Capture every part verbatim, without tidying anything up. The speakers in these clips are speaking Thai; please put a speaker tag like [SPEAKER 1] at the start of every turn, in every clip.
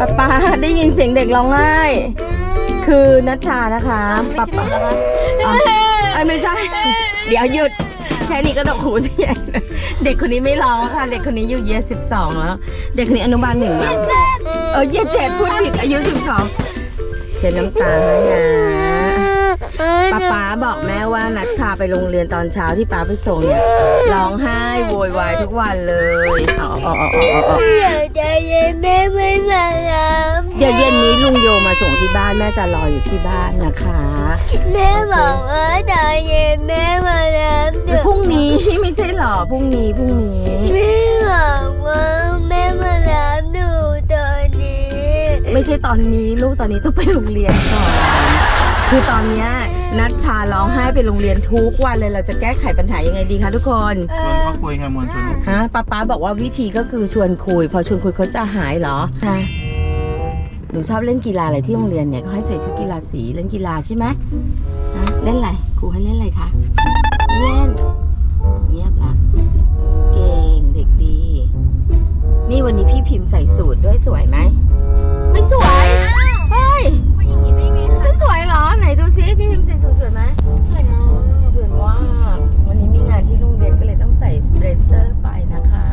[SPEAKER 1] ป๊าป๊าได้ยินเสียงเด็กร้องไห้คือนัชชานะคะป๊าป๊าไอ้ไม่ใช่เดี๋ยวหยุดแค่นี้ก็ต้องหูใหญ่เด็กคนนี้ไม่ร้องค่ะเด็กคนนี้อยู่เยียสิบสองแล้วเด็กคนนี้อนุบาลหนึ่งมาเออเยียเจ็ดพูดผิดอายุสิบสองเช็ดน้ำตาให้นะป๊าป๊าบอกแม่ว่านัชชาไปโรงเรียนตอนเช้าที่ป๊าไปส่งเนี่ยร้องไห้โวยวายทุกวันเลยอ๋ออ๋ออ๋ออ๋อ
[SPEAKER 2] อยากจะเย็นแม่ไม่มารับ
[SPEAKER 1] เดี๋ยวเย็นนี้ลุงโยมาส่งที่บ้านแม่จะรออยู่ที่บ้านนะคะ
[SPEAKER 2] แม่บอกว่าตอนเย็นแม่มารับเดี๋ยว
[SPEAKER 1] พรุ่งนี้ไม่ใช่หรอพรุ่งนี้พรุ่งนี้
[SPEAKER 2] แม่บอกว่าแม่มารับหนูตอนนี้
[SPEAKER 1] ไม่ใช่ตอนนี้ลูกตอนนี้ต้องไปโรงเรียนก่อนคือตอนเนี้ยนัชชาร้องไห้ไปโรงเรียนทุกวันเลยเราจะแก้ไขปัญหายังไงดีคะทุกคน
[SPEAKER 3] ชวนเขาคุยไงมวลชน
[SPEAKER 1] ฮะป๊าป๊าบอกว่าวิธีก็คือชวนคุยพอชวนคุยเขาจะหายเหรอฮะหนูชอบเล่นกีฬาอะไรที่โรงเรียนเนี่ยเขาให้ใส่ชุดกีฬาสีเล่นกีฬาใช่ไหมฮะเล่นอะไรครูให้เล่นอะไรคะเล่นเงียบละเก่งเด็กดีนี่วันนี้พี่พิมพ์ใส่สูทด้วยสวยไหมไม่สวยเฮ้ย
[SPEAKER 2] ว่าอย่างนี้ได้ไงคะ
[SPEAKER 1] ไม่สวยเหรอไหนดูซิพี่พิมพ์ใส่สูทสวยไหม
[SPEAKER 2] สวยมาก
[SPEAKER 1] สวยมากวันนี้มีงานที่โรงเรียนก็เลยต้องใส่เบรเซอร์ไปนะคะ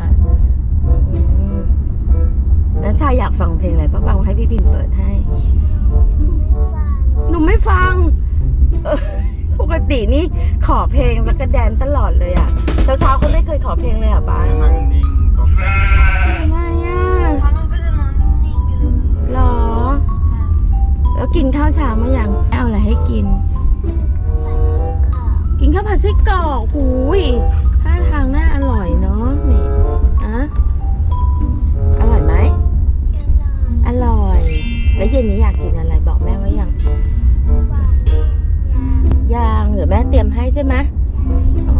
[SPEAKER 1] นัชชาอยากฟังเพลงอะไรป้าบังให้พี่พิมพ์เปิดให้หนูไม่ฟังเออปกตินี่ขอเพลงแล้วก็แดนตลอดเลยอ่ะเช้าๆก็ไม่เคยขอเพลงเลยอ่ะป้า
[SPEAKER 3] นั่งนิ่งก็แค่
[SPEAKER 1] ทำไมอ่ะ
[SPEAKER 2] เพราะมันก็จะนอนนิ่งๆไปเลย
[SPEAKER 1] หรอแล้วกินข้าวเช้ามายังเอาอะไรให้กิน กินข้าวผัดไส้กรอกหูยท่าทางน่าอร่อยเนาะนี่อะอร่อยไหมอร่อย แล้วเย็นนี้อยากกินอะไรบอกแม่ไว้ยังยังเดี๋ยวแม่เตรียมให้ใช่ไหมอ๋อ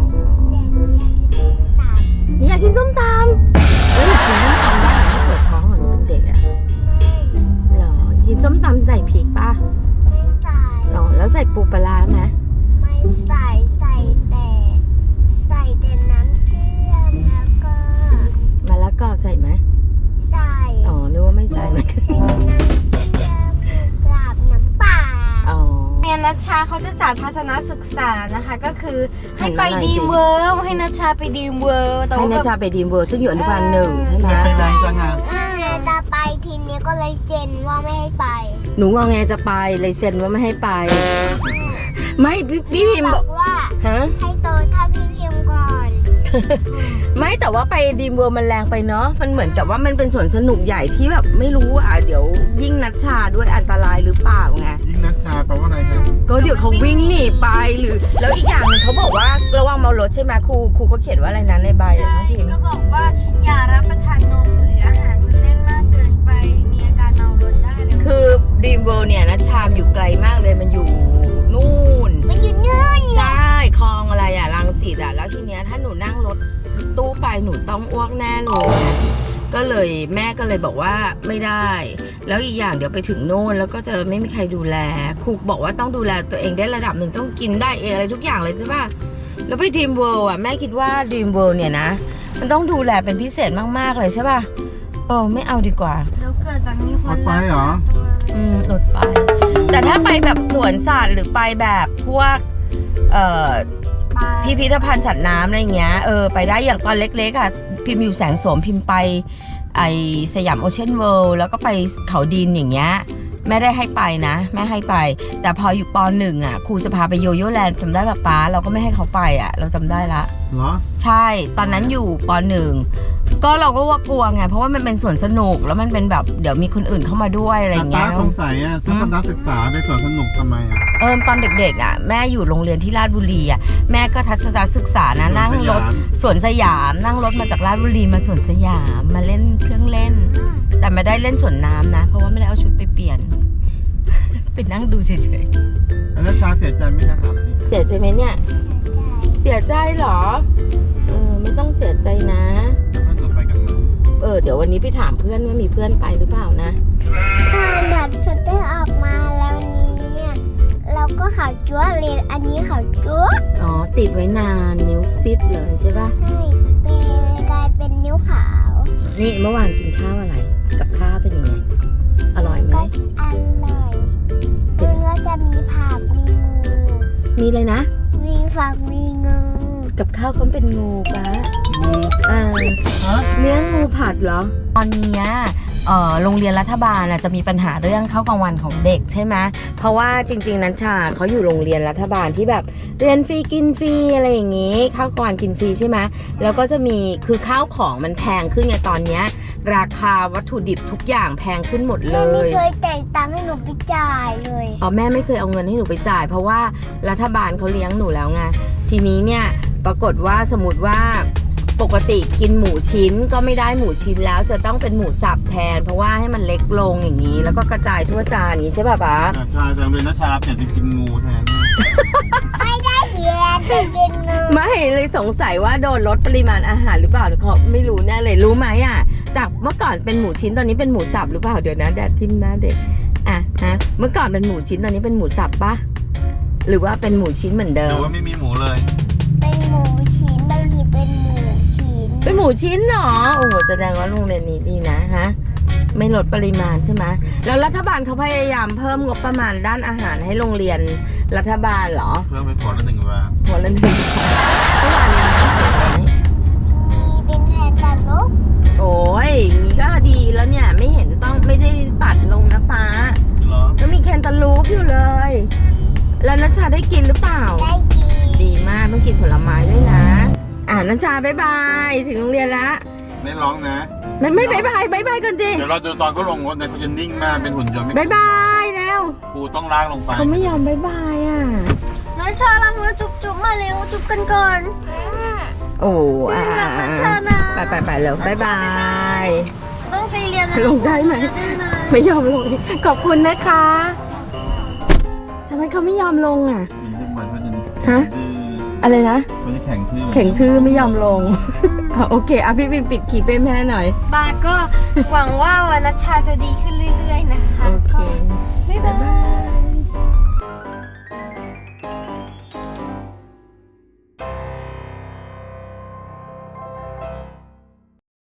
[SPEAKER 1] นี่อยากกินส้มตำเอ้ยกินส้มตำได้ไม่ปวดท้องเหมือนเป็นเด็กอะเหรอกินส้มตำใส่พริกป่ะ
[SPEAKER 2] ไม่ใส่
[SPEAKER 1] อ๋อแล้วใส่ปูปลาร้าไหม
[SPEAKER 2] ไม่ใส่ใส่แต่ใส่แต่น้ำเชื่อมแล้วก็
[SPEAKER 1] มะละกอใส่ไหม
[SPEAKER 2] ใส่
[SPEAKER 1] อ๋อนึกว่าไม่ใส่เหมือนกัน
[SPEAKER 2] ใส่น้ำเชื่อมกับน้ำเปล่า
[SPEAKER 1] อ๋อ
[SPEAKER 4] เรียนนัชชาเขาจะจัดทัศนศึกษานะคะ ก็คือให้ไป
[SPEAKER 1] หันมาหน่อยสิ
[SPEAKER 4] ดีมเวิร์ลให้นัชชาไปดีมเวิร์ลแต่
[SPEAKER 1] ให้
[SPEAKER 4] ว่า
[SPEAKER 1] นัชชาไปดีมเวิร์ซึ่งอยู่อนุบาลหนึ่งใช่ไหม
[SPEAKER 3] ไม่เป็นไรจังอ่ะ
[SPEAKER 2] จะไปทีนี้ก็เลยเซ็นว่าไม่ให้ไป
[SPEAKER 1] หนูงอแงจะไปเลยเซ็นว่าไม่ให้ไป ไม่พี่พี่พิมพ์
[SPEAKER 2] บบ อ
[SPEAKER 1] อก
[SPEAKER 2] กว่า
[SPEAKER 1] ฮะ
[SPEAKER 2] ให้โตเท่าพี่พิมพ์ก่อน
[SPEAKER 1] ไม่แต่ว่าไปดีมเวิร์มันแรงไปเนาะมันเหมือนกับว่ามันเป็นสวนสนุกใหญ่ที่แบบไม่รู้อ่ะเดี๋ยวยิ่งนัชชาด้วยอันตรายหรือเปล่าไง
[SPEAKER 3] ยิ่งนัชชาแปลว่าอะไรครับ
[SPEAKER 1] ก็เดี๋ยวเขาวิ่งหนีไปหรือ แล้วอีกอย่างหนึงเขาบอกว่าระวังเมารถใช่ไหมครูครูก็เขียนว่าอะไรนะในใบอะน้องพิมพ์
[SPEAKER 4] ก็บอกว่าอย่ารับประทานนมหรืออาหารจนเล่นมากเกินไป มีอาการเมารถได้เลย
[SPEAKER 1] คือดีมเวิร์เนี่ยนัชชามอยู่ไกลมากเลยมันอยู่นู่น
[SPEAKER 2] มันอยู่นู่น
[SPEAKER 1] ใช่คลองอะไรอ่ะรังสิตอ่ะแล้วทีเนี้ยถ้าหนูนั่งรถตู้ไปหนูต้องอ้วกแน่เลยนะก็เลยแม่ก็เลยบอกว่าไม่ได้ แล้วอีกอย่างเดี๋ยวไปถึงโน่นแล้วก็จะไม่มีใครดูแลครูบอกว่าต้องดูแลตัวเองได้ระดับหนึ่งต้องกินได้เองอะไรทุกอย่างเลยใช่ป่ะแล้วไปดีมเวิลด์อ่ะแม่คิดว่าดีมเวิลด์เนี่ยนะมันต้องดูแลเป็นพิเศษมากๆเลยใช่ป่ะเออไม่เอาดีกว่า
[SPEAKER 4] แล้วเกิดแบบมีค
[SPEAKER 3] อน ดไปเหรอ
[SPEAKER 1] อืมอดไป แต่ถ้าไปแบบสวนสัตว์หรือไปแบบพวกเอ่อ พิพิธภัณฑ์สัตว์น้ำอะไรเงี้ย เออ ไปได้อย่างตอนเล็กๆอ่ะ พิมพ์อยู่แสงโสมพิมพ์ไปไอสยามโอเชียนเวิลด์แล้วก็ไปเขาดินอย่างเงี้ย แม่ได้ให้ไปนะ แม่ให้ไป แต่พออยู่ปหนึ่งอ่ะ ครูจะพาไปโยโย่แลนด์จำได้ป่ะป๊าเราก็ไม่ให้เขาไปอ่ะ เราจำได้ละ
[SPEAKER 3] เหรอ
[SPEAKER 1] ใช่ ตอนนั้นอยู่ปหนึ่งก็เราก็ว่ากลัวไง เพราะว่ามันเป็นสวนสนุก แล้วมันเป็นแบบเดี๋ยวมีคนอื่นเข้ามาด้วยอะไรอย่างเงี้
[SPEAKER 3] ตาย สงสัยอ่ะทัศนศึกษาในสวนสนุกทำไมอ่ะ
[SPEAKER 1] เออตอนเด็กๆอ่ะแม่อยู่โรงเรียนที่ราชบุรีอ่ะแม่ก็ทัศนศึกษานะนั่งรถสวนสยามนั่งรถมาจากราชบุรีมาสวนสยามมาเล่นเครื่องเล่น แต่ไม่ได้เล่นสวนน้ำนะ เพราะว่าไม่ได้เอาชุดไปเปลี่ยน ไปนั่งดูเฉย
[SPEAKER 3] อันนัชชาเสียใจไหมครับนี่
[SPEAKER 1] ๆเสียใจไหมเนี่ยเสียใจเหรอเออไม่ต้องเสียใจนะ
[SPEAKER 3] ถ้าเกิดไปกันมา
[SPEAKER 1] เออเดี๋ยววันนี้ไปถามเพื่อนว่ามีเพื่อนไปหรือเปล่านะ
[SPEAKER 2] ถ้าบัตรสเตอร์ออกมาแล้วนี้เราก็ขาวจั๊วเลยอันนี้ขาวจั๊ว
[SPEAKER 1] อ๋อติดไว้นานนิ้วซิดเลยใช่ปะ
[SPEAKER 2] ใช่เป็นกลายเป็นนิ้วขาว
[SPEAKER 1] นี่เมื่อวานกินข้าวอะไรกับข้าวเป็นยังไงไหม
[SPEAKER 2] อร่อยมันก็จะมีผักมีงู
[SPEAKER 1] มีเลยนะ
[SPEAKER 2] มีฝักมีงู
[SPEAKER 1] กับข้าวเขาเป็นงูปะ
[SPEAKER 3] งู
[SPEAKER 1] อ่า
[SPEAKER 3] ฮะ
[SPEAKER 1] เลี้ยงงูผัดเหรอ ตอนนี้เอ่อโรงเรียนรัฐบาลน่ะจะมีปัญหาเรื่องข้าวกลางวันของเด็กใช่ไหมเพราะว่าจริงๆนัชชาเขาอยู่โรงเรียนรัฐบาลที่แบบเรียนฟรีกินฟรีอะไรอย่างงี้ข้าวกลางวันกินฟรีใช่ไหมแล้วก็จะมีคือข้าวของมันแพงขึ้นไงตอนเนี้ยราคาวัตถุดิบทุกอย่างแพงขึ้นหมดเล
[SPEAKER 2] แม่ไม่
[SPEAKER 1] ย
[SPEAKER 2] เคยจ่ายตังค์ให้หนูไปจ่ายเลย
[SPEAKER 1] อ๋อแม่ไม่เคยเอาเงินให้หนูไปจ่าย เพราะว่ารัฐบาลเขาเลี้ยงหนูแล้วไงทีนี้เนี่ยปรากฏว่าสมมติว่าปกติกินหมูชิ้นก็ไม่ได้หมูชิ้นแล้วจะต้องเป็นหมูสับแทน เพราะว่าให้มันเล็กลงอย่างนี้ แล้วก็กระจายทั่วจานอย่างนี้ใช่ป่ะป๊า
[SPEAKER 3] แต่ชาแต่โรงเรียนนัชชาเปลี่ยนเป็นกินงูแทน
[SPEAKER 2] ไม่ได้เพียนไปกินงู
[SPEAKER 1] ไม่เลยสงสัยว่าโดนลดปริมาณอาหารหรือเปล่าเขาไม่รู้แน่เลยรู้ไหมอ่ะจากเมื่อก่อนเป็นหมูชิ้นตอนนี้เป็นหมูสับหรือเปล่าเดี๋ยวนะแดดทิมหน้าเด็กอ่ะฮะเมื่อก่อนเป็นหมูชิ้นตอนนี้เป็นหมูสับปะหรือว่าเป็นหมูชิ้นเหมือนเดิ
[SPEAKER 3] หรื
[SPEAKER 1] ม
[SPEAKER 3] อว่าไม่มีหมูเลย
[SPEAKER 2] เป็นหมูชิ้นบางทีเป็นหมูชิ้น
[SPEAKER 1] เป็นหมูชิ้นเหรอโอ้โหแสดงว่าโรงเรียนนี้ดีนะฮะไม่ลดปริมาณใช่ไหมแล้วรัฐบาลเขาพยายามเพิ่มงบประมาณด้านอาหารให้โรงเรียนรัฐบาลเหรอ
[SPEAKER 3] เพิ่มไปขอละหนึ่งบาท
[SPEAKER 1] หัวละหนึ่งเมื่อวานนี้นะ
[SPEAKER 2] มีเป็นแทนตาลุก
[SPEAKER 1] โอ้ยอย่างนี้ก็ดีแล้วเนี่ยไม่เห็นต้องไม่ได้ตัดลงนะป้า
[SPEAKER 3] เหรอ
[SPEAKER 1] แล้วมีแคนตาลูปอยู่เลย แล้วนัชชาได้กินหรือเปล่า
[SPEAKER 2] ได้กิน
[SPEAKER 1] ดีมากต้องกินผลไม้ด้วยนะ อ่านัชชาบ๊ายบายถึงโรงเรียนละ
[SPEAKER 3] ไม่ร้องนะ
[SPEAKER 1] ไม่ไม่บ๊ายบายบ๊ายบายก่อนดิ
[SPEAKER 3] เดี๋ยวเราดูตอนเขาลงรถนะเขาจะนิ่งมากเป็นหุ่นยนต์ไม่
[SPEAKER 1] บ๊ายบายแล้ว
[SPEAKER 3] ครูต้องลากลงไป
[SPEAKER 1] เขาไม่ยอมบ๊ายบายอ่ะ
[SPEAKER 4] นัชชารักนะจุ๊บจุ๊บมาเร็วจุ๊บกันก่อน
[SPEAKER 1] โอ้อ่า
[SPEAKER 4] รักนัชชานะ
[SPEAKER 1] ไปไปไปเร็วบ๊ายบาย
[SPEAKER 4] ต้องใจเรียนนะ
[SPEAKER 1] ลงได้ไหม
[SPEAKER 4] ได้ไหม
[SPEAKER 1] ไม่ยอมลงขอบคุณนะคะทำไมเขาไม่ยอมลงอ่ะ
[SPEAKER 3] มีทุกวันเขาจะ
[SPEAKER 1] ฮะ
[SPEAKER 3] ดื้อ
[SPEAKER 1] อะไรนะ
[SPEAKER 3] เขาจะแข่งทื่อ
[SPEAKER 1] แข็งทื่อไม่ยอมลง อ่ะโอเคอ่ะพี่บิมปิดคลิปให้แม่หน่อย
[SPEAKER 4] บาก็หวังว่าวันนัชชาจะดีขึ้นเรื่อยๆนะคะ
[SPEAKER 1] โอเค
[SPEAKER 4] ก็บ๊ายบาย